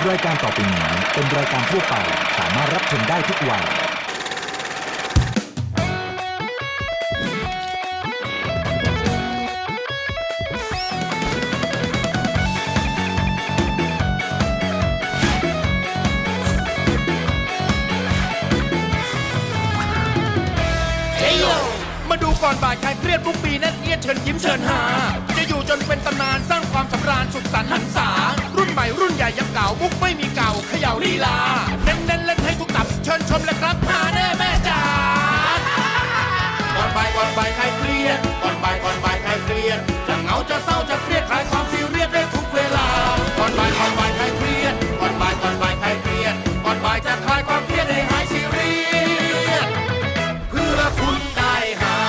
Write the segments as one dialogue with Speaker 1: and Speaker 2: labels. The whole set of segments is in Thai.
Speaker 1: รายการต่อไปนี้เป็นรายการทั่วไปสามารถรับชมได้ทุกวัย
Speaker 2: มาดูก่อนบ่ายใครเครียดทุกปีนั่นเอียดเชิญยิ้มเชิญหาจะอยู่จนเป็นตำนานสร้างความสำราญสุขสันต์หันษารุ่นใหม่รุ่นใหญ่ยังเก่ามุกไม่มีเก่าเขย่าลีลาเน้นเล่นให้ทุกตับเชิญชมเลยครับหาแน่แม่จ๋าก่อนบ่ายใครเครียดก่อนบ่ายใครเครียดจะเหงาจะเศร้าจะเครียดคลายความซีเรียสได้ทุกเวลาก่อนบ่ายใครเครียดก่อนบ่ายใครเครียดก่อนบ่ายจะคลายความเครียดให้หายซีเรียสเพื่อคุณได้หา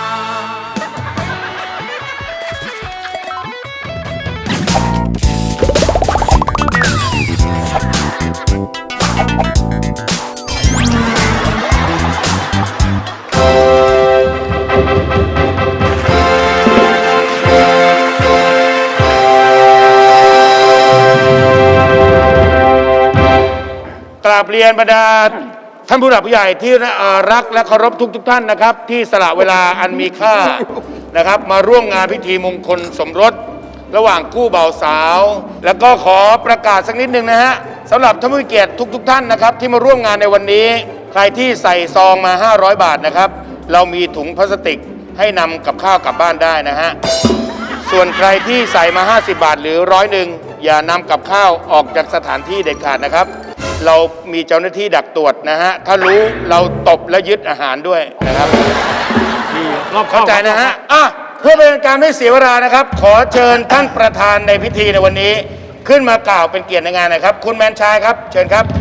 Speaker 3: กราบเรียนบรรดาท่านผู้หลักผู้ใหญ่ที่รักและเคารพทุกท่านนะครับที่สละเวลาอันมีค่านะครับมาร่วมงานพิธีมงคลสมรสระหว่างคู่บ่าวสาวแล้วก็ขอประกาศสักนิดนึงนะฮะสำหรับท่านผู้มีเกียรติทุกท่านนะครับที่มาร่วมงานในวันนี้ใครที่ใส่ซองมา500 บาทนะครับเรามีถุงพลาสติกให้นำกับข้าวกลับบ้านได้นะฮะส่วนใครที่ใส่มา50 บาทหรือ100อย่านำกับข้าวออกจากสถานที่เด็ดขาดนะครับเรามีเจ้าหน้าที่ดักตรวจนะฮะถ้ารู้เราตบและยึดอาหารด้วยนะครับเข้าใจนะฮะเพื่อเป็นการไม่เสียเวลานะครับขอเชิญท่านประธานในพิธีในวันนี้ขึ้นมากล่าวเป็นเกียรติในงานนะครับคุณแมนชายครับเชิญครับ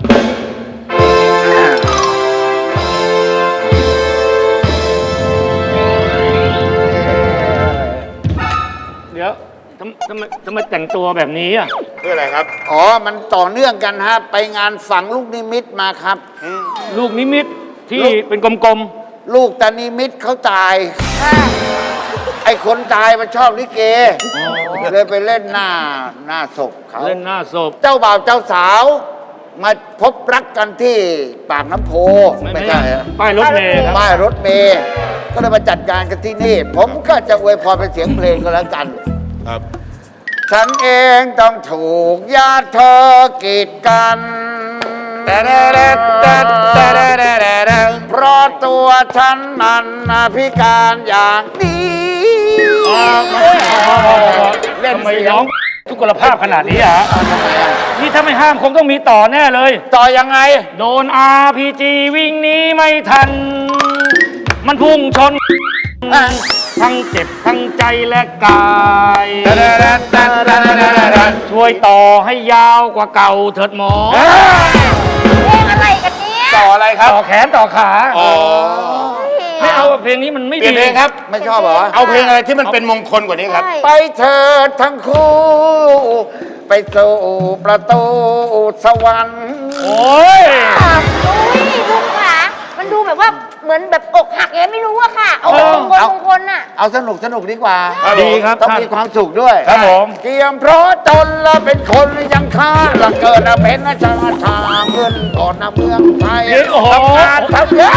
Speaker 4: เดี๋ยวทำไมแต่งตัวแบบนี้อ่ะ
Speaker 3: เพื่ออะไรครับ
Speaker 5: อ๋อมันต่อเนื่องกันฮะไปงานฝังลูกนิมิตมาครับ
Speaker 4: ลูกนิมิตที่เป็นกลม
Speaker 5: ๆลูกตานิมิตเขาตายไอ้คนตายมันชอบลิเกเลยไปเล่นหน้าศพเขา
Speaker 4: เล่นหน้าศพ
Speaker 5: เจ้าบ่าวเจ้าสาวมาพบรักกันที่ปากน้ำโพ
Speaker 4: ไม่ใช่ป้ายรถเมล์
Speaker 5: ป้ายรถเมล์ก็เลยมาจัดการกันที่นี่ผมก็จะอวยพรเป็นเสียงเพลงก็แล้วกัน
Speaker 3: ครับ
Speaker 5: ฉันเองต้องถูกญาติเธอกีดกันเพราะตัวฉันนั้นพิการอย่างนี้
Speaker 4: เล่นไม่ร้องทุกขลภาพขนาดนี้อ่ะนี่ถ้าไม่ห้ามคงต้องมีต่อแน่เลย
Speaker 5: ต่อยังไง
Speaker 4: โดน RPG วิ่งหนีไม่ทันมันพุ่งชนทั้งเจ็บทั้งใจและกายช่วยต่อให้ยาวกว่าเก่าเถิดหมอ
Speaker 6: เพลงอะไรกันเนี่ย
Speaker 3: ต่ออะไรครับ
Speaker 4: ต่อแขนต่อขาไม่เอาเพลงนี้มันไม่ดี
Speaker 3: เปลี่ยนเพลงครับ
Speaker 5: ไม่ชอบเหรอ
Speaker 3: เอาเพลงอะไรที่มันเป็นมงคลกว่านี้ครับ
Speaker 5: ไปเถิดทั้งคู่ไปสู่ประตูสวรรค์
Speaker 4: โอ้ย
Speaker 6: ลุงค่ะมันดูแบบว่าเหมือนแบบอกหักยังไม่รู้อะค่ะเอามงคลน่ะ
Speaker 5: เอาสนุกดีกว่า
Speaker 4: ดีครับ
Speaker 5: ต้องมีความสุขด้วย
Speaker 4: ครับผม
Speaker 5: เกียมเพราะจนละเป็นคนยังค้าละเกิดเป็นชาชาเงินก่อนเมืองไทย
Speaker 4: ทำงาน
Speaker 5: ทำเยอะ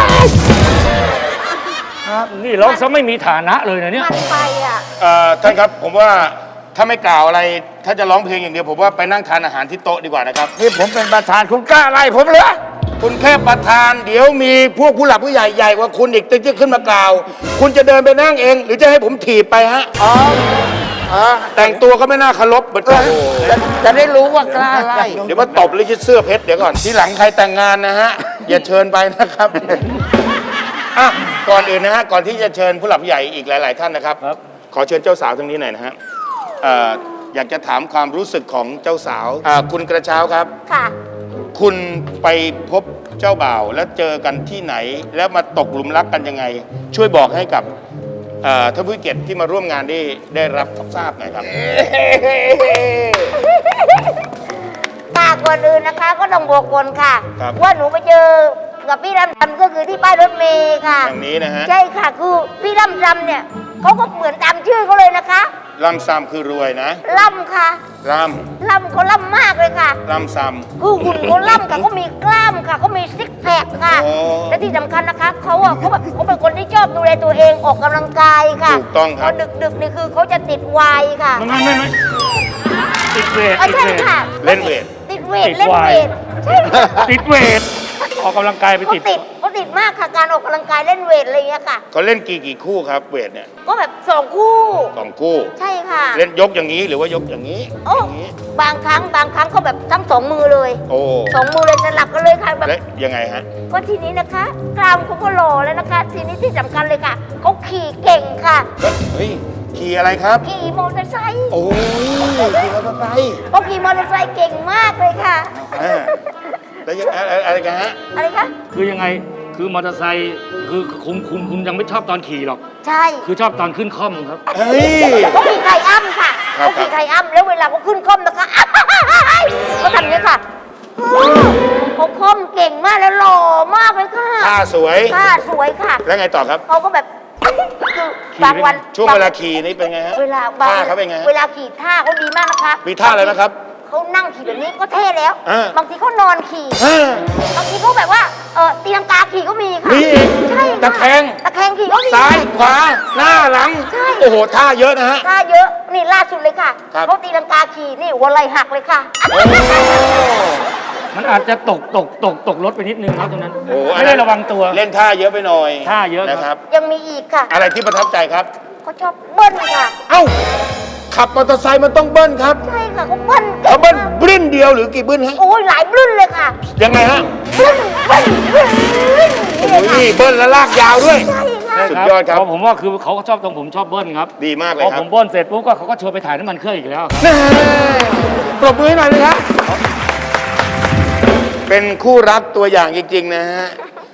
Speaker 4: นี่เราซะไม่มีฐานะเลยนะเนี่ย
Speaker 6: มันไปอ่ะ
Speaker 3: ท่านครับผมว่าถ้าไม่กล่าวอะไรถ้าจะร้องเพลงอย่างเดียวผมว่าไปนั่งทานอาหารที่โต๊ะดีกว่านะครับ
Speaker 5: นี่ผมเป็นประธานคุณกล้าไล่ผมเหรอ
Speaker 3: คุณแค่ประธานเดี๋ยวมีพวกผู้หลักผู้ใหญ่ใหญ่กว่าคุณอีกตึ้งจะขึ้นมากล่าวคุณจะเดินไปนั่งเองหรือจะให้ผมถีบไปฮะแต่งตัวก็ไม่น่าเคารพเหมือนกัน
Speaker 5: จะได้รู้ว่ากล้าไล่
Speaker 3: เดี๋ยวมาตบหรือยึดเสื้อเพชรเดี๋ยวก่อนทีหลังใครแต่งงานนะฮะอย่าเชิญไปนะครับก่อนอื่นนะฮะก่อนที่จะเชิญผู้หลักผู้ใหญ่อีกหลายๆท่านนะครับขอเชิญเจ้าสาวตรงนี้หน่อยนะฮะอยากจะถามความรู้สึกของเจ้าสาวคุณกระเช้าครับ
Speaker 6: ค่ะ
Speaker 3: คุณไปพบเจ้าบ่าวแล้วเจอกันที่ไหนแล้วมาตกหลุมรักกันยังไงช่วยบอกให้กับท่านผู้เกียรติที่มาร่วมงานได้รับทราบหน่อยครับ
Speaker 6: ก่อนอื่นนะคะก็ต้องบอกก่อนค่ะว่าหนูไปเจอกับพี่ลำจำก็คือที่ป้ายรถเมล์ค่ะ
Speaker 3: อย่างนี้นะฮะ
Speaker 6: ใช่ค่ะคือพี่ลำจำเนี่ยเขาก็เหมือนตามชื่อเขาเลยนะคะ
Speaker 3: ล่ำซ้ำคือรวยนะ
Speaker 6: ล่ำค่ะ
Speaker 3: ล่
Speaker 6: ล่ำเขาล่ำมากเลยค่ะ
Speaker 3: ำล่ำซ้
Speaker 6: คือหุ่นเขาล่ำค่ะเขามีกล้ามค่ะเขามีซิกแพคค่ะ
Speaker 3: โอ้
Speaker 6: และที่สำคัญนะคะเขาเป็นคนที่ชอบดูแลตัวเองออกกำลังกายค่ะ
Speaker 3: ถูกต้องครับ
Speaker 6: พดึกๆนี่คือเขาจะติดไวน์ค่ะ
Speaker 4: ไม่ติดเวท
Speaker 6: ใช่ค่ะ
Speaker 3: เล่นเวท
Speaker 6: ติดเวท
Speaker 4: ติด
Speaker 6: เล่น
Speaker 4: ไว
Speaker 6: เว
Speaker 4: น์
Speaker 6: ทใช่ค่ะ
Speaker 4: ติดเวทออกกำลังกายไป
Speaker 6: เขา
Speaker 4: ติด
Speaker 6: ติดมากค่ะการออกกำลังกายเล่นเวทอะไรอย่างเงี้ยค่ะ
Speaker 3: เขาเล่นกี่คู่ครับเวทเนี่ย
Speaker 6: ก็แบบ2 คู่
Speaker 3: 2 คู่
Speaker 6: ใช่ค่ะ
Speaker 3: เล่นยกอย่างนี้หรือว่ายกอย่างนี้
Speaker 6: โอ้
Speaker 3: อย่างนี้
Speaker 6: บางครั้งก็แบบทั้ง2 มือเลย
Speaker 3: โอ้
Speaker 6: 2 มือเลยสลับกันเลยค่ะแบบ
Speaker 3: และยังไงฮะ
Speaker 6: ก็ทีนี้นะคะ กรามเขาก็หล่อแล้วนะคะ ทีนี้ที่สำคัญเลยค่ะเขาขี่เก่งค่ะ
Speaker 3: เฮ้ยขี่อะไรครับ
Speaker 6: ขี่มอเตอร์ไซค์
Speaker 3: โอ้ยขี่มอเตอร์ไซค์
Speaker 6: เขาขี่มอเตอร์ไซค์เก่งมากเลยค่ะ
Speaker 3: อ่าแล้วยังอะไรกันฮะ
Speaker 6: อะไรคะ
Speaker 4: คือยังไงคือมอเตอร์ไซค์คือคุณยังไม่ชอบตอนขี่หรอก
Speaker 6: ใช่
Speaker 4: คือชอบตอนขึ้นคล่อมครับ
Speaker 3: เฮ้ย
Speaker 6: เขาขี่ไทอ้ำค่ะ
Speaker 3: ครับ
Speaker 6: เขาขี่ไทอ้ำแล้วเวลาเขาขึ้นคล่อมนะคะเขาทำอย่างนี้ค่ะเขาคล่อมเก่งมากแล้วหล่อมากเลยค่ะ
Speaker 3: ท่าสวย
Speaker 6: ท่าสวยค่ะ
Speaker 3: แล้วไงต่อครับ
Speaker 6: เขาก็แบบคือบางวัน
Speaker 3: ช่วงเวลาขี่นี่เป็นไงฮะ
Speaker 6: เวลาบาง
Speaker 3: ท่าเขาเป็นไงฮะ
Speaker 6: เวลาขี่ท่าเขาดีมากนะคะ
Speaker 3: มีท่าอะไรนะครับ
Speaker 6: เขานั่งขี่แบบนี้ก็เท่แล้ว
Speaker 3: อ่า
Speaker 6: บางทีเขานอนขี่
Speaker 3: อ่า
Speaker 6: บางทีเขาแบบว่าตีลังกาขี่ก็มีค่ะ
Speaker 3: มีอีก
Speaker 6: ใช่ค่ะ
Speaker 3: ตะแคง
Speaker 6: ตะแคงขี่ก็มี
Speaker 3: ซ้ายขวาหน้าหลัง
Speaker 6: ใช่
Speaker 3: โอ้โหท่าเยอะนะฮะ
Speaker 6: ท่าเยอะนี่ล่าสุดเลยค่ะ
Speaker 3: ครับ
Speaker 6: เขาตีลังกาขี่นี่หัวไหล่หักเลยค่ะ
Speaker 3: โอ้
Speaker 4: มันอาจจะตกรถไปนิดนึงครับตรงนั้น
Speaker 3: โอ้อัน
Speaker 4: ไม่
Speaker 3: นั้น
Speaker 4: ได้ระวังตัว
Speaker 3: เล่นท่าเยอะไปหน่อย
Speaker 4: ท่าเยอะครับ
Speaker 3: นะครับ
Speaker 6: ยังมีอีกค่ะ
Speaker 3: อะไรที่ประทับใจครับ
Speaker 6: เขาชอบเบิ้ลค่ะ
Speaker 3: เอ้า ขับมอเตอร์ไซค์มันต้องเบิ้ลครับ
Speaker 6: ใช่ค่ะเขาเบิ้ลก่ง
Speaker 3: เขาเบิ้ล
Speaker 6: มาก
Speaker 3: บลิ้นเดียวหรือกี่บลิ้นฮะ
Speaker 6: โอ้ยหลายบลิ้นเลยค่ะ
Speaker 3: ยังไงฮะ
Speaker 6: บลิ้นบลิ้นบลิ้นนี่เลย
Speaker 3: โอ้
Speaker 6: ค่ะ
Speaker 3: ยเบิ้ลแล้วลากยาวด้วย
Speaker 6: ใช่ค่ะ
Speaker 3: สุดยอดครับ
Speaker 4: เพาะผมว่าคือเขาก็ชอบตรงผมชอบเบิ้ลครับ
Speaker 3: ดีมากเลย
Speaker 4: พอ
Speaker 3: ครั
Speaker 4: ผ
Speaker 3: บ
Speaker 4: มเบิ้ลเสร็จปุ๊บก็เขาก็ชวนไปถ่ายน้ำมันเครื่องอีกแล้วครับ
Speaker 3: แน่ปรบมือให้หน่อยเลยครับ เป็นคู่รักตัวอย่างจริง ๆ นะฮะ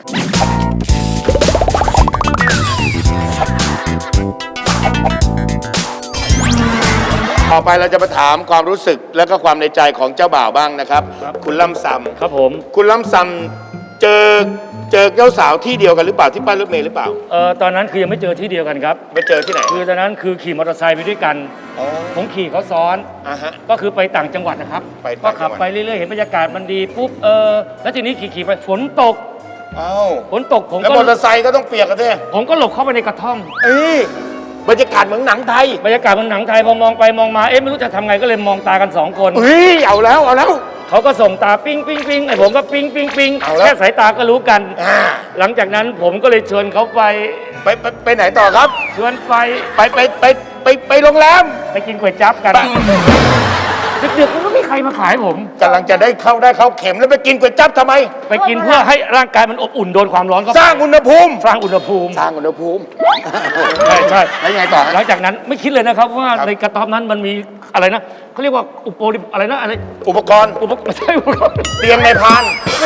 Speaker 3: ต่อไปเราจะมาถามความรู้สึกและก็ความในใจของเจ้าบ่าวบ้างนะครับ คุณล่ำซ
Speaker 4: ครับผม
Speaker 3: ำคุณล่ำซำเจอเจ้าสาวที่เดียวกันหรือเปล่าที่ป้ายรถเมล์หรือเปล่า
Speaker 4: ตอนนั้นคือยังไม่เจอที่เดียวกันครับ
Speaker 3: ไปเจอที่ไหน
Speaker 4: คือตอนนั้นคือขี่มอเตอร์ไซค์ไปด้วยกัน
Speaker 3: อ๋อ
Speaker 4: ผมขี่เขาซ้อน
Speaker 3: อ่ะฮะ
Speaker 4: ก็คือไปต่างจังหวัดนะครับ
Speaker 3: ไป
Speaker 4: ก็
Speaker 3: ต่างจั
Speaker 4: ขั
Speaker 3: ง
Speaker 4: บ
Speaker 3: หวัด
Speaker 4: ไปเรื่อยๆเห็นบรรยากาศมันดีปุ๊บแล้วทีนี้ขี่ไปฝนตก
Speaker 3: เอ้า
Speaker 4: ฝนตกผม
Speaker 3: แล้ว
Speaker 4: ก็
Speaker 3: มอเตอร์ไซค์ก็ต้องเปียกกันด้วย
Speaker 4: ผมก็หลบเข้าไปในกระท่อม
Speaker 3: เอ้ยบรรยากาศเหมือนหนังไทย
Speaker 4: บรรยากาศมันหนังไทยพอมองไปมองมาไม่รู้จะทำไงก็เลยมองตากันสองคน
Speaker 3: เฮ้ยเอาแล้ว
Speaker 4: เขาก็ส่งตาปิ้งปิ้งปิ้งไอ้ผมก็ปิ้งปิ้งปิ้ง
Speaker 3: เอาแล้ว
Speaker 4: แค่สายตาก็รู้กัน
Speaker 3: อ่า
Speaker 4: หลังจากนั้นผมก็เลยชวนเขาไป
Speaker 3: ไปไหนต่อครับ
Speaker 4: ชวนไป
Speaker 3: ไปโรงแรม
Speaker 4: ไปกินก๋วยจั๊บกัน
Speaker 3: ไป
Speaker 4: ดึกๆมันก็ไม่มีใครมาขายผม
Speaker 3: กำลังจะได้เข้าเข็มแล้วไปกินก๋วยจั๊บทำไม
Speaker 4: ไปกินเพื่อให้ร่างกายมันอบอุ่นโดนความร้อนก็
Speaker 3: สร้างอุณหภูมิ
Speaker 4: สร้างอุณหภูมิ
Speaker 3: สร้างอุณหภูมิ
Speaker 4: ใช่ใช่
Speaker 3: แล้วยังไงต่อ
Speaker 4: หลังจากนั้นไม่คิดเลยนะครับว่า
Speaker 3: ครับ
Speaker 4: ในกระต๊อบนั้นมันมีอะไรนะเขาเรียกว่าอะไรนะอะไร
Speaker 3: อุปกรณ์
Speaker 4: ไม่ใช่อุปกรณ์
Speaker 3: เตียงในพาน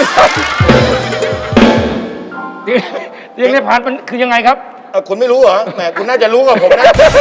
Speaker 4: เตียงในพานมันคือยังไงครับ
Speaker 3: คุณไม่รู้เหรอแหมคุณน่าจะรู้กว่าผมนะ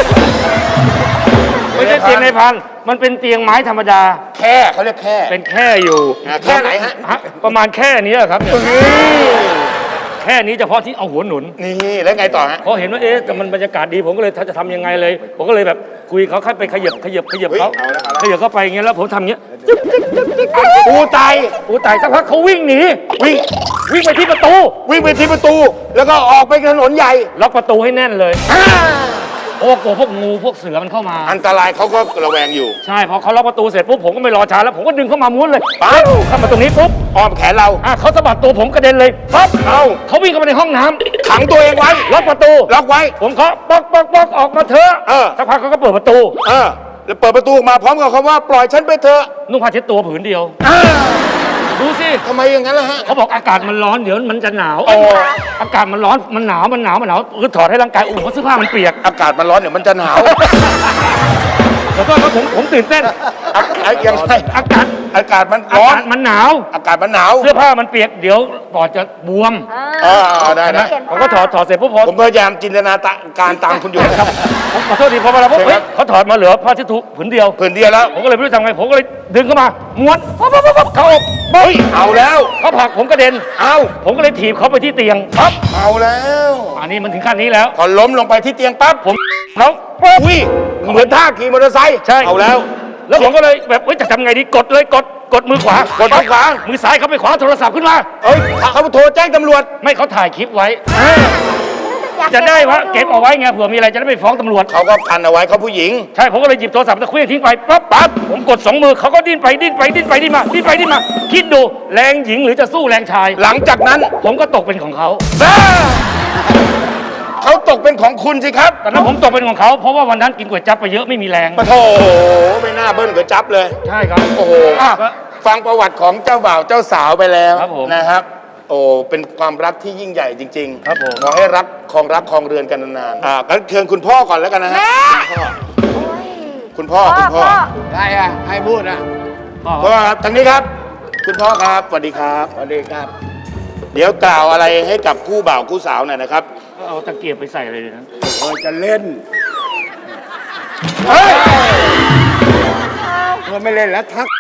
Speaker 4: ไม่ใช่เตียงในพานมันเป็นเตียงไม้ธรรมดา
Speaker 3: แค่เขาเรียกแค่
Speaker 4: เป็นแค่อยู่
Speaker 3: แค่ไหนฮะ
Speaker 4: ประมาณแค่นี้ครับเนี่ย
Speaker 3: นี่
Speaker 4: แค่นี้เฉพาะที่เอาหัวหนุน
Speaker 3: นี่แล้วไงต่อฮะ
Speaker 4: พอเห็นว่าแต่มันบรรยากาศดีผมก็เลยจะทำยังไงเลย ผมก็เลยแบบคุยเขาค่อยไปขยับเขา
Speaker 3: เฮ้ยเอาละ
Speaker 4: ขยับเข้าไปอย่างเงี้ยแล้วผมทำอย่างเงี้ย
Speaker 3: ปูไตาย
Speaker 4: อู้ตายสักพักเขาวิ่งหนี
Speaker 3: วิ่ง
Speaker 4: วิ่งไปที่ประตู
Speaker 3: วิ่งไปที่ประตู แล้วก็ออกไปถนนใหญ่
Speaker 4: ล็อกประตูให้แน่นเลยโอ้กลัวพวกงูพวกเสือมันเข้ามา
Speaker 3: อันตรายเขาก็ระแวงอยู่
Speaker 4: ใช่พอเขาล็อกประตูเสร็จปุ๊บผมก็ไม่รอช้าแล้วผมก็ดึงเข้ามาม้วนเลย
Speaker 3: ปั๊บ
Speaker 4: เข้ามาตรงนี้ปุ๊บ
Speaker 3: อ้อมแขนเรา
Speaker 4: เขาสะบัดตัวผมกระเด็นเลยปั๊บ
Speaker 3: เอ้า
Speaker 4: เขาวิ่งเข้ามาในห้องน้ำ
Speaker 3: ขังตัวเองไว้
Speaker 4: ล็อกประตู
Speaker 3: ล็อกไว้
Speaker 4: ผมเคาะป๊อกป๊อกป๊อกออกมาเถอะ
Speaker 3: เออ
Speaker 4: สักพักเขาก็เปิดประตู
Speaker 3: แล้วเปิดประตูออกมาพร้อมกับคำว่าปล่อยฉันไปเถอะ
Speaker 4: นุ่งผ้าเช็ดตัวผืนเดียว ดูสิ
Speaker 3: ทำไมอย่างนั้นล่ะฮะ
Speaker 4: เขาบอกอากาศมันร้อนเดี๋ยวมันจะหนาว
Speaker 3: อ๋อ
Speaker 4: อากาศมันร้อนมันหนาวคือถอดให้ร่างกายอุ่นเพราะเสื้อผ้ามันเปียก
Speaker 3: อากาศมันร้อนเดี๋ยวมันจะหนาว
Speaker 4: ขอโทษครับผมตื่นเต้น
Speaker 3: ยังไง
Speaker 4: อากาศ
Speaker 3: อากาศมัน
Speaker 4: อา
Speaker 3: ร้อน
Speaker 4: กาศมันหนาว
Speaker 3: อากาศมันหนาว
Speaker 4: เสื้อผ้ามันเปียกเดี๋ยวปอดจะบวม
Speaker 3: ได้นะ
Speaker 4: ผมก็ถอดเสร็จปุ๊บพอ
Speaker 3: ผมพยายามจินตนาการตามคุณอยู่นะครับ
Speaker 4: ผมขอโทษทีพอเวลาปุ๊บ
Speaker 3: เชิญครับ
Speaker 4: เขาถอดมาเหลือผ้าเช็ดถูผืนเดียว
Speaker 3: ผืนเดียวแล้ว
Speaker 4: ผมก็เลยไม่รู้ทำไงผมก็เลยดึงเข้ามาม้วนปั๊บเขาอก
Speaker 3: เฮ้ยเอาแล้ว
Speaker 4: เขาผลักผมกระเด็น
Speaker 3: เอา
Speaker 4: ผมก็เลยถีบเขาไปที่เตียงปั๊บ
Speaker 3: เอาแล้ว
Speaker 4: อันนี้มันถึงขั้นนี้แล้ว
Speaker 3: พอล้มลงไปที่เตียงปั๊บ
Speaker 4: ผมแล้วปุ๊บ
Speaker 3: อุ้ยเหมือนท่าขี่มอเตอร์ไซค์
Speaker 4: ใช่
Speaker 3: เอาแล้ว
Speaker 4: แล้วผมก็เลยแบบจะทำไงดีกดเลยกดมือขวาก
Speaker 3: ดมือขวา
Speaker 4: มือซ้ายเขาไปขวาโทรศัพท์ขึ้นมา
Speaker 3: เอ้ยเขาโทรแจ้งตำรวจ
Speaker 4: ไม่เขาถ่ายคลิปไว้
Speaker 6: อยาก
Speaker 4: จะได้ว่าเก็บเอาไว้ไงเผื่อมีอะไรจะได้ไปฟ้องตำรวจ
Speaker 3: เขาก็พันเอาไว้เขาผู้หญิง
Speaker 4: ใช่ผมก็เลยหยิบโทรศัพท์ตะเคลื่อนทิ้งไปปั๊บผมกด2 มือเขาก็ดิ้นไปดิ้นมาคิดดูแรงหญิงหรือจะสู้แรงชาย
Speaker 3: หลังจากนั้น
Speaker 4: ผมก็ตกเป็นของเขา
Speaker 3: เขาตกเป็นของคุณสิครับ
Speaker 4: ตอนนั้นผมตกเป็นของเขาเพราะว่าวันนั้นกินก๋วยจั๊บไปเยอะไม่มีแรง
Speaker 3: ปะโถไม่น่าเบิ้ลก๋วยจั๊บเลย
Speaker 4: ใช่ครับ
Speaker 3: โอ้โหอ่ะฟังประวัติของเจ้าบ่าวเจ้าสาวไปแล้ว
Speaker 4: ครับผม
Speaker 3: นะครับ โอ้เป็นความรักที่ยิ่งใหญ่จริงๆ
Speaker 4: ครับผม
Speaker 3: ขอให้รักครองเรือนกันนานๆงั้นเชิญคุณพ่อก่อนแล้วกันนะฮะ
Speaker 6: แม่
Speaker 3: คุณพ่อ
Speaker 5: ได้อะให้พูดอะ
Speaker 4: พ่อ
Speaker 3: พ่อครับทางนี้ครับ คุณพ่อครับสวัสดีครับ
Speaker 5: สวัสดีครับ
Speaker 3: เดี๋ยวกล่าวอะไรให้กับคู่บ่าวคู่สาวหน่อยนะครับ
Speaker 4: เอาตะเกียบไปใส่เลยนะ
Speaker 5: โอ้ยจะเล่น
Speaker 3: เฮ้ย
Speaker 5: เออไม่เล่นแล้วทัก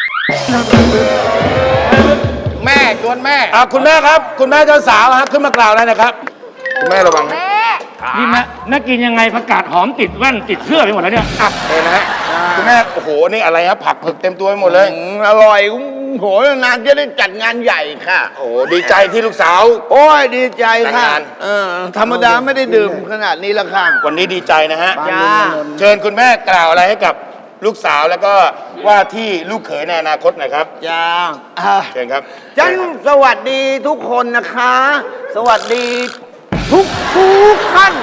Speaker 5: แม่ชวนแม่
Speaker 3: คุณแม่ครับ คุณแม่เจ้าสาวฮะขึ้นมากล่าวอะไรนะครับ คุณแม่ระวังนะ
Speaker 6: แม่
Speaker 4: นี่แม่กินยังไงผักกาดหอมติดแว่นติดเสื้อไปหมดแล้วเนี่ย
Speaker 3: อ่ะเลยนะฮะคุณแม่โอ้โหนี่อะไรฮะผักเผือกเต็มตัวไปหมดเลย
Speaker 5: อร่อยโหนานจะได้จัดงานใหญ่ค่ะ
Speaker 3: โอ้โหดีใจที่ลูกสาว
Speaker 5: โอ้ยดีใจ
Speaker 3: แต่ง
Speaker 5: ค่ะ
Speaker 3: งาน
Speaker 5: ธรรมดาไม่ได้ดื่มขนาดนี้ละค่ะ
Speaker 3: วันนี้ดีใจนะฮะ
Speaker 5: จ้า
Speaker 3: เชิญคุณแม่กล่าวอะไรให้กับลูกสาวแล้วก็ว่าที่ลูกเขยในอนาคตหน่อยครับ
Speaker 5: จ้า
Speaker 3: เชิญครับ
Speaker 5: จันสวัสดีทุกคนนะคะ สวัสดีทุกท่าน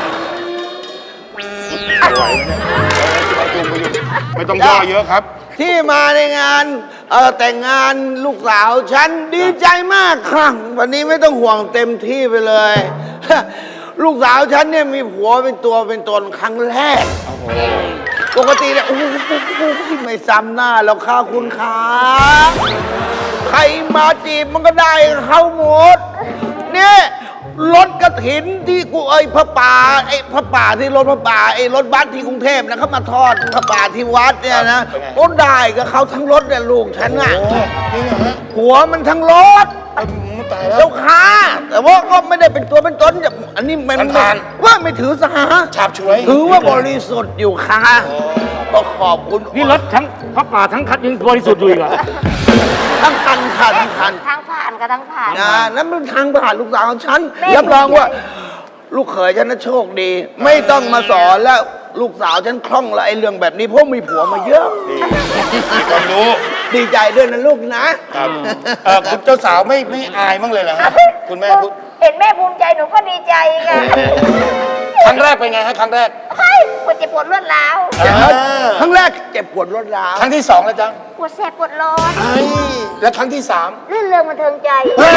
Speaker 3: ไม่ต้องย่อเยอะครับ
Speaker 5: ที่มาในงานแต่งงานลูกสาวฉันดีใจมากค่ะวันนี้ไม่ต้องห่วงเต็มที่ไปเลย ลูกสาวฉันเนี่ยมีผัวเป็นตัวเป็นตนครั้งแรกปกติเนี่ยโอ้โหไม่ซ้ำหน้าแล้วค่ะคุณขาใครมาจีบมันก็ได้เข้าหมดเนี่ยรถกระถินที่กูพระป่าพระป่าที่รถพระป่ารถบัสที่กรุงเทพนะเขามาทอดพระป่าที่วัดเนี่ยนะ
Speaker 3: เป็นไง
Speaker 5: ก็ได้กับเขาทั้งรถเนี่ยลูกฉันน่ะ
Speaker 3: จริงเหรอฮะ
Speaker 5: หัวมันทั้งรถ
Speaker 3: ตายแล้ว
Speaker 5: เจ้าค้าแต่ว่าก็ไม่ได้เป็นตัวเป็นตนแบบอันนี้มัน
Speaker 3: ทาน
Speaker 5: ว่าไม่ถือสา
Speaker 3: ฉาบฉวย
Speaker 5: ถือว่าบริสุทธิ์อยู่ค่ะก็ขอบคุณ
Speaker 4: นี่รถทั้งพระป่าทั้งคัดยังบริสุทธิ์อยู่อีกเหรอ
Speaker 5: ทั้งคันค่ะทั้งคัน
Speaker 6: ทางผ่านกับทางผ่าน
Speaker 5: นั่นเป็นทางผ่านลูกสาวของฉัน
Speaker 6: แม่
Speaker 5: รับรองว่า ลูกเขยฉันน่ะโชคดี ไม่ต้องมาสอนแล้วลูกสาวฉันคล่องละไอ้เรื่องแบบนี้เพราะมีผัวมาเยอะ
Speaker 3: มีความรู้
Speaker 5: ดีใจด้วยนะลูกนะ
Speaker 3: ครับคุณเจ้าสาวไม่อายบ้างเลยเหรอฮะคุณแม่พูด
Speaker 6: เห็นแม่ภูมิใจหนูก็ดีใจไง
Speaker 3: ครั้งแรกเป็นไงฮะครั้งแรก
Speaker 6: เฮ้ยปวดเจ็บปวดรวดร้าว
Speaker 5: ครั้งแรกเจ็บปวดรวดร้าว
Speaker 3: ครั้งที่สองแล้วจ๊ะ
Speaker 6: ปวดแสบปวดร้อน
Speaker 3: และครั้งที่สาม
Speaker 6: ลื่นเริงบันเทิงใจ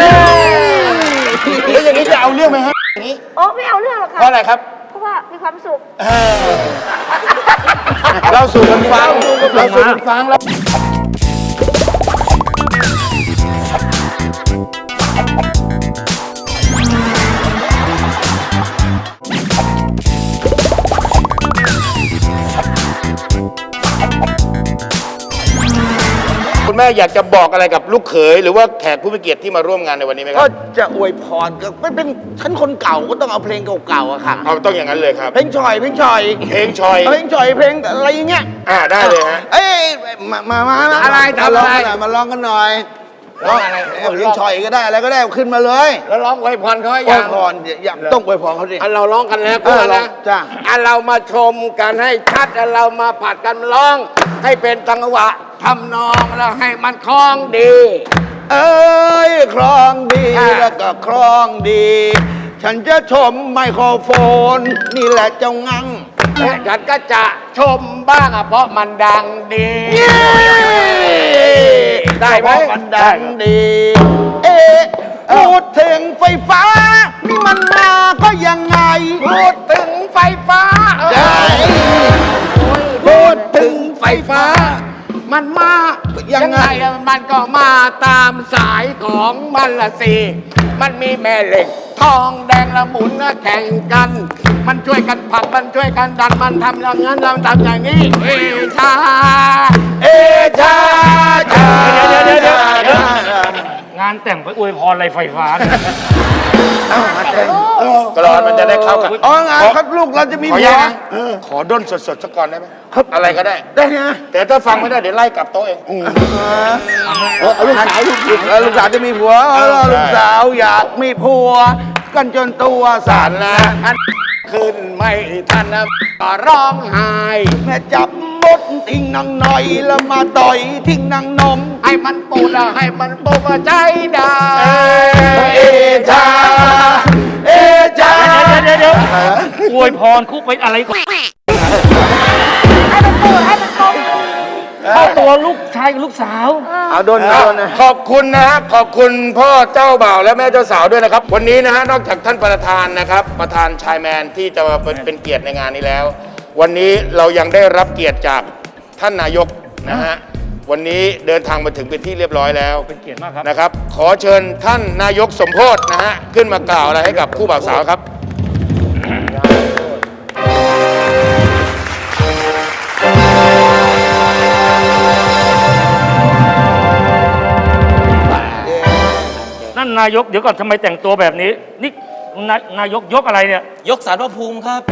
Speaker 3: แล้วอย่างนี้จะเอาเรื่องไหมฮะอย่างนี้
Speaker 6: โอ้ไม่เอาเรื่องหรอกค่ะ
Speaker 3: เพราะอะไรครับ
Speaker 6: เพราะว่ามีความสุข
Speaker 3: เราสู่กันฟังเราสู่กันฟังแล้ว คุณแม่อยากจะบอกอะไรกับลูกเขยหรือว่าแขกผู้มีเกียรติที่มาร่วมงานในวันนี้ไหมค
Speaker 5: ก็
Speaker 3: รับ
Speaker 5: จะอวยพรก็เป็นฉันคนเก่าก็ต้องเอาเพลงเก่าๆอะค่ะ
Speaker 3: เอาต้องอย่างนั้นเลยครับ
Speaker 5: เพลงชอย
Speaker 3: เพลงชอย
Speaker 5: เพลงอะไรอย่างเงี้ย
Speaker 3: ได้เลยฮะ
Speaker 5: เอ้ยมาอะไรทำอะไรมาร้องกันหน่อยร้องอะไรเพลงชอยก็ได้อะไรก็ได้ขึ้นมาเลย
Speaker 7: แล้วร้องอวยพรเขาให้
Speaker 5: อว
Speaker 7: ยั
Speaker 5: ย
Speaker 7: ง
Speaker 5: พรอย่าต้องอวยพรเขาดิ
Speaker 7: อันเราร้องกันแล้ว
Speaker 5: เออ
Speaker 7: นะ
Speaker 5: จ้ะ
Speaker 7: อันเรามาชมกันให้ชัดอันเรามาผัดกันร้อง ให้เป็นจังหวะทำนองแล้วให้มันคล้องดี
Speaker 5: เอ้ยครองดี
Speaker 7: อ่า
Speaker 5: แล้วก็ครองดี ฉันจะชมไมโครโฟน นี่แหละเจ้างัง
Speaker 7: และฉันก็จะชมบ้างอะเพราะมันดังดี ได้ไหม
Speaker 5: เพราะมันดังดี เอ๊ะพูดถึงไฟฟ้า นี่มันมาก็ยังไง
Speaker 7: พูดถึงไฟฟ้า
Speaker 5: ใช่
Speaker 7: พูดถึงไฟฟ้า มันมา
Speaker 5: ยั
Speaker 7: ยัง
Speaker 5: ไง
Speaker 7: ไงอะมันก็มาตามสายของมันละสิ มันมีแม่เหล็ก ทองแดงละหมุนละแข่งกัน มันช่วยกันผลักมันช่วยกันดันมันทำอย่างนั้นเราทำอย่างนี้ เอชา เอชาชา
Speaker 4: เดี๋ยว งานแต่งไปอวยพรอะไรไฟฟ้าเนี่ย
Speaker 5: เอามา
Speaker 6: แต่
Speaker 5: เต้น
Speaker 6: ลูก
Speaker 3: กรอนมันจะได้เข้ากัน
Speaker 5: อ๋องานครับลูกเราจะมี
Speaker 3: ขอ
Speaker 5: ผั
Speaker 3: อนุ
Speaker 5: ว
Speaker 3: ญาตนะขอด้นสดๆสักก่อนได้ไหมอะไรก็ได้
Speaker 5: ได้นะ
Speaker 3: แต่ถ้าฟังไม่ได้เดี๋ยวไล่กลับโต๊ะเอง
Speaker 5: ลูกสาวลูกสาวจะมีผัวลูกสาวอยากมีผัว กันจนตัวสั่นนะ
Speaker 7: ขึ้นไม่ทันนะก็ร้องไห้
Speaker 5: แม่จับมดทิ้งนางหน่อยแล้วมาต่อยทิ้งนางนม
Speaker 7: ให้มันปูดให้มันปูดใจได้
Speaker 5: เอชาเอชา
Speaker 4: เดี๋ยวอวยพรคุกไปอะไรก่อน
Speaker 6: ให้มันปูดให้มันกลม
Speaker 4: เข้าตัวลูกชายกับลูกสาว
Speaker 5: เอาโดนนะ
Speaker 3: ขอบคุณนะฮะขอบคุณพ่อเจ้าบ่าวและแม่เจ้าสาวด้วยนะครับ วันนี้นะฮะนอกจากท่านประธานนะครับ ประธานชายแมนที่จะมาเป็นเกียรติในงานนี้แล้ว วันนี้เรายังได้รับเกียรติจากท่านนายกนะฮะวันนี้เดินทางมาถึงเป็นที่เรียบร้อยแล้ว
Speaker 4: เป็นเกียรติมากครับ
Speaker 3: นะครับ ขอเชิญท่านนายกสมโพธนะฮะขึ้นมากล่าวอะไรให้กับคู่บ่าวสาวครับ
Speaker 4: นั่นนายกเดี๋ยวก่อนทำไมแต่งตัวแบบนี้ นี่นายกยกอะไรเนี่ย
Speaker 8: ยกสารพระภูมิครับ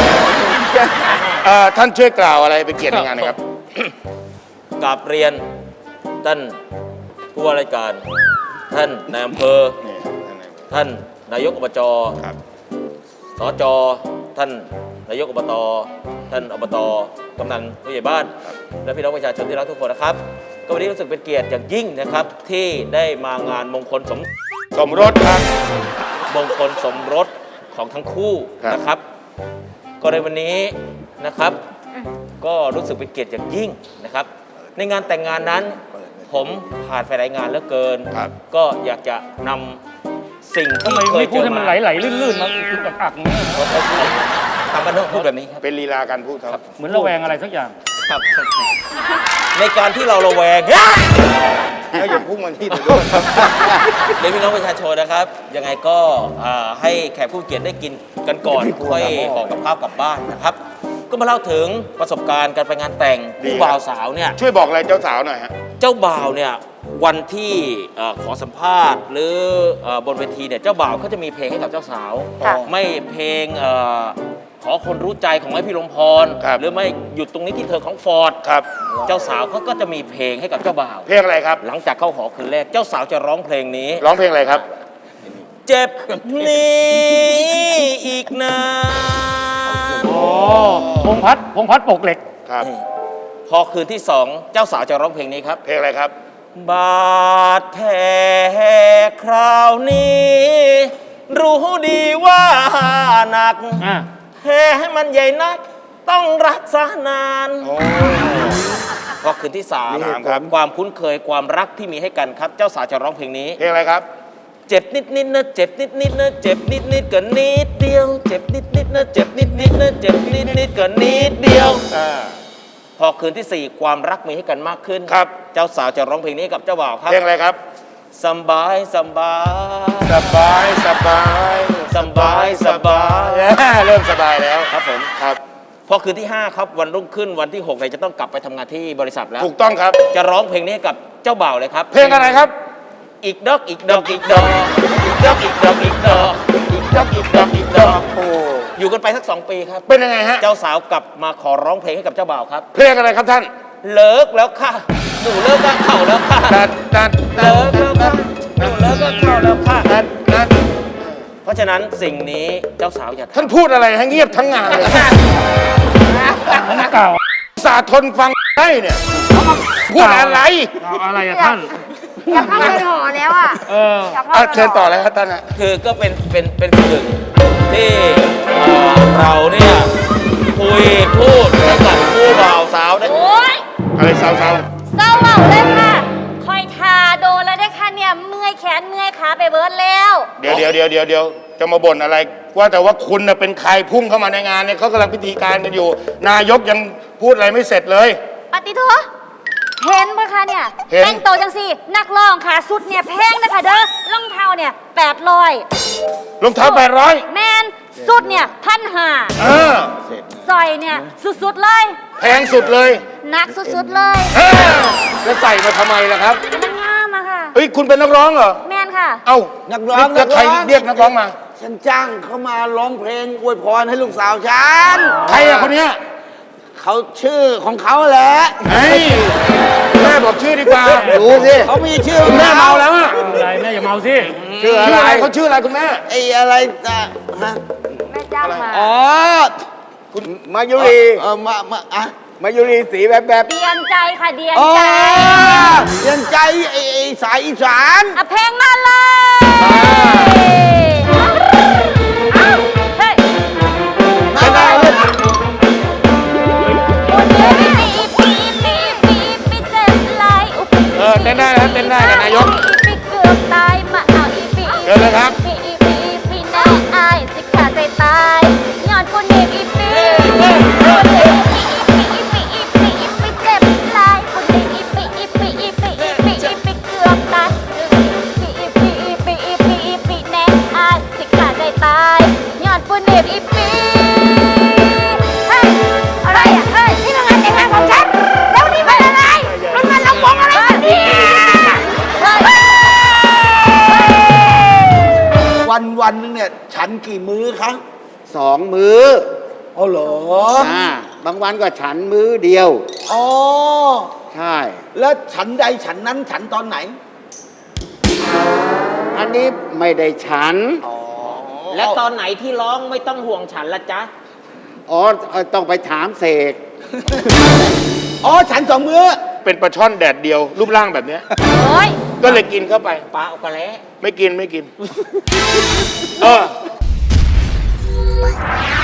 Speaker 3: ท่านช่วยกล่าวอะไรเป็นเกียรติในงานหนะครับ
Speaker 8: กราบเรียนท่านผู้ว่าราชการ ท่านนายอำเภอ ท่านนายกอบจ
Speaker 3: ครับ
Speaker 8: สจ ท่านนายกอบต ท่านอบต กำนันผู้ใหญ่บ้าน และพี่น้องประชาชนที่รักทุกคนนะครับ ก็วันนี้รู้สึกเป็นเกียรติอย่างยิ่งนะครับ ที่ได้มางานมงคล
Speaker 3: สมรสครับ
Speaker 8: มงคลสมรสของทั้งคู่
Speaker 3: ครับ
Speaker 8: นะครับ ก็ในวันนี้นะครับ ก็รู้สึกเป็นเกียรติอย่างยิ่งนะครับ ในงานแต่งงานนั้น ผมผ่านไปหลายงานเหลือเกิน
Speaker 3: ครับ
Speaker 8: ก็อยากจะนำสิ่ง
Speaker 4: ทำ
Speaker 8: ที่
Speaker 4: ไม
Speaker 8: เคย
Speaker 4: ไม่
Speaker 8: เจ
Speaker 4: พูด
Speaker 8: อ
Speaker 4: ให้มัน
Speaker 8: มา
Speaker 4: ไหลๆลื่นๆมาอึกอักๆอย่างนี้ย
Speaker 8: ทำบ้านนอกพูดแบบนี้ครับ
Speaker 3: เป็นลีลาการพูดครับ
Speaker 4: เหมือนระแวงอะไรสักอย่าง
Speaker 8: ครับ ในการที่เราระแวง
Speaker 3: ให้อย่าพุ่งมาที่ตัวด้วยครับ
Speaker 8: เรียนพี่น้องประชาชนนะครับ ยังไงก็ให้แขกผู้เกียรติได้กินกันก่อนค่อยห่อกับข้าวกลับบ้านนะครับ ก็มาเล่าถึงประสบการณ์การไปงานแต่ง
Speaker 3: ดี
Speaker 8: คู่
Speaker 3: ครับ
Speaker 8: บ่าวสาวเนี่ย
Speaker 3: ช่วยบอกอะไรเจ้าสาวหน่อยฮะ
Speaker 8: เจ้าบ่าวเนี่ยวันที่ขอสัมภาษณ์ หรือบนเวทีเนี่ยเจ้าบ่าวเขาจะมีเพลงให้กับเจ้าสาว
Speaker 6: ค่ะ
Speaker 8: ไม่เพลงขอคนรู้ใจของไอ้พี่ลมพร
Speaker 3: ครับ
Speaker 8: หรือไม่หยุดตรงนี้ที่เธอของฟอร์ด
Speaker 3: ครับ
Speaker 8: เจ้าสาวเขาก็จะมีเพลงให้กับเจ้าบ่าว
Speaker 3: เพลงอะไรครับ
Speaker 8: หลังจากเข้าหอคืนแรกเจ้าสาวจะร้องเพลงนี้
Speaker 3: ร้องเพลงอะไรครับ
Speaker 8: เจ็บนี้อีกนาน
Speaker 4: อ๋อพงพัดปกเหล็ก
Speaker 3: ครับ
Speaker 8: พอคืนที่สองเจ้าสาวจะร้องเพลงนี้ครับ
Speaker 3: เพลงอะไรครับ
Speaker 8: บาดแผลคราวนี้ รู้ดีว่าหนัก
Speaker 4: อ่ะ
Speaker 8: แผลมันใหญ่นัก ต้องรักษานาน พอคืนที่สาม
Speaker 3: นี่ครับ
Speaker 8: ความคุ้นเคยความรักที่มีให้กันครับ เจ้าสาวจะร้องเพลงนี้
Speaker 3: เพลงอะไรครับ
Speaker 8: เจ็บนิดนิดนะเจ็บนิดนิดนะเจ็บนิดนิดก็นิดเดียว เจ็บนิดนิดนะเจ็บนิดนิดนะเจ็บนิดนิดก็นิดเดียว พอคืนที่สี่ความรักมีให้กันมากขึ้น
Speaker 3: ครับ
Speaker 8: เจ้าสาวจะร้องเพลงนี้กับเจ้าบ่าวครับ
Speaker 3: เพลงอะไรครับ
Speaker 8: สบายสบาย
Speaker 3: สบายสบาย
Speaker 8: สบายสบาย
Speaker 3: เริ่มสบายแล้ว
Speaker 8: ครับผม
Speaker 3: ครับ
Speaker 8: พอคืนที่ 5 ครับวันรุ่งขึ้นวันที่6เนี่ยจะต้องกลับไปทำงานที่บริษัทแล้ว
Speaker 3: ถูกต้องครับ
Speaker 8: จะร้องเพลงนี้ให้กับเจ้าบ่าวเลยครับ
Speaker 3: เพลงอะไรครับ
Speaker 8: อีกดอกอีกดอกอีกดอกอีกดอกอีกดอกอีกดอกอีกดอกอีกดอกอีกดอก
Speaker 3: โอ้
Speaker 8: อยู่กันไปสัก2 ปีครับ
Speaker 3: เป็นยังไงฮะ
Speaker 8: เจ้าสาวกลับมาขอร้องเพลงให้กับเจ้าบ่าวครับ
Speaker 3: เพลงอะไรครับท่าน
Speaker 8: เลิกแล้วค่ะหนูเลิกกับเขาแล้วค่ะ
Speaker 3: ตัด
Speaker 8: เลิกแล้วค่ะหนูเลิกกับเขาแล้วค่ะ
Speaker 3: ตัด
Speaker 8: เพราะฉะนั้นสิ่งนี้เจ้าสาวอย่า
Speaker 3: ท่านพูดอะไรให้เงียบทั้งงานเลย
Speaker 4: เก่า
Speaker 3: สาทนฟังได้เนี่ยพูดอะไร
Speaker 4: เอาอะไรอะท่าน
Speaker 6: อยากเข้าไปหอแล้วอ่ะ
Speaker 4: เออ
Speaker 6: อยากเข้า
Speaker 3: อ่ะ
Speaker 6: ไป
Speaker 3: เชิญต่อเลยครับท่านฮะ
Speaker 8: คือก็เป็นสิ่งหนึ่งที่เราเนี่ยคุยพูดให้กับผู้บ่าวสาวได้
Speaker 6: โอ๊ย
Speaker 3: อะไรสาว
Speaker 6: เศร้าเหล่าเลยค่ะ คอยทาโดนแล้วได้ค่ะเนี่ย เมื่อยแขนเมื่อยขาไปเบิร์ดแล้ว
Speaker 3: ๆเดี๋ยวจะมาบ่นอะไร ว่าแต่ว่าคุณน่ะเป็นใครพุ่งเข้ามาในงานเนี่ยเขากำลังพิธีการกันอยู่ นายกยังพูดอะไรไม่เสร็จเลย
Speaker 6: ปฏิโทเห็นปะคะเนี่ย
Speaker 3: เห็น
Speaker 6: แต่งตัวจังสินักร้องค่ะสุดเนี่ยแพงนะคะเด้อรองเท้าเนี่ย800
Speaker 3: รองเท้า800
Speaker 6: แมนสุดเนี่ย1,500
Speaker 3: เออ
Speaker 6: สอยเนี่ยสุดๆเลย
Speaker 3: แพงสุดเลย
Speaker 6: หนักสุดๆเลย
Speaker 3: เออแล้วใส่มาทำไมล่ะครับ
Speaker 6: มันงามอะค่ะ
Speaker 3: เฮ้ยคุณเป็นนักร้องเหรอ
Speaker 6: แมนค่ะ
Speaker 3: เอ้า
Speaker 5: นักร้อง
Speaker 3: แล้วใคร
Speaker 5: นักร้อง
Speaker 3: เรียกนักร้องมา
Speaker 5: ฉันจ้างเขามาร้องเพลงอวยพรให้ลูกสาวฉัน
Speaker 3: ใครอะคนเนี้ย
Speaker 5: เขาชื่อของเขาแหละ
Speaker 3: เฮ้ยแม่บอกชื่อดีกว่า
Speaker 5: ดูสิเขามีชื่อ
Speaker 3: คุณแม่เมาแล้วอะ
Speaker 4: อะไรแม่อย่าเมาสิ
Speaker 3: ชื่ออะไรเขาชื่ออะไรคุณแม่
Speaker 5: ไอ้อะไรจะฮะ
Speaker 6: แม่จ้างมา
Speaker 5: อ๋อ
Speaker 7: คุณมายุรี
Speaker 5: อะ
Speaker 7: มายุรีสีแบบ
Speaker 6: เดียนใจค่ะเดียน
Speaker 5: อ๋อ
Speaker 6: ใจ
Speaker 5: เรียนใจไอ้สายอีสาน
Speaker 6: อ่ะเพลงมาเลยเอ้าเฮ้ย
Speaker 5: ไม่ได้เลย
Speaker 6: วันนี้ปีเจ็บไหลอุปี
Speaker 3: เต้นได้นะครับเต้นได้กับนายก
Speaker 6: ปีเกือบตายมาเอาอีปี
Speaker 3: เชิญเลยครับ
Speaker 6: ปีแน่อายสิขาดใจตายย้อนคนเด็กอีปีปีเจ็บไหลคนเด็กอีปีเกือบตายปีแน่อายสิขาดใจตายย้อนคนเด็กอีปีเฮ้ยอะไรอ่ะเฮ้ยนี่มันงานแต่งงานของฉันแล้วนี่มันอะไรมันงานลำวงอะไรกันเนี่ยเฮ้ย
Speaker 5: วันนึงเนี่ย ฉันกี่มื้อคะ
Speaker 7: 2 มื้อ
Speaker 5: อ๋อเหรอ
Speaker 7: บางวันก็ฉันมื้อเดียว
Speaker 5: อ๋อ
Speaker 7: ใช่
Speaker 5: แล้วฉันใดฉันนั้นฉันตอนไหน
Speaker 7: อันนี้ไม่ได้ฉัน
Speaker 9: แล้วตอนไหนที่ร้องไม่ต้องห่วงฉันละจ๊ะ
Speaker 7: อ๋อต้องไปถามเสก
Speaker 5: อ๋อ ฉัน2 มื้อ
Speaker 3: เป็นปลาช่อนแดดเดียว รูปร่างแบบเนี้ย
Speaker 6: โอ้ย
Speaker 3: ก็เลยกินเข้าไป
Speaker 9: ปลาเอากระแล้
Speaker 3: ไม่กิน เออ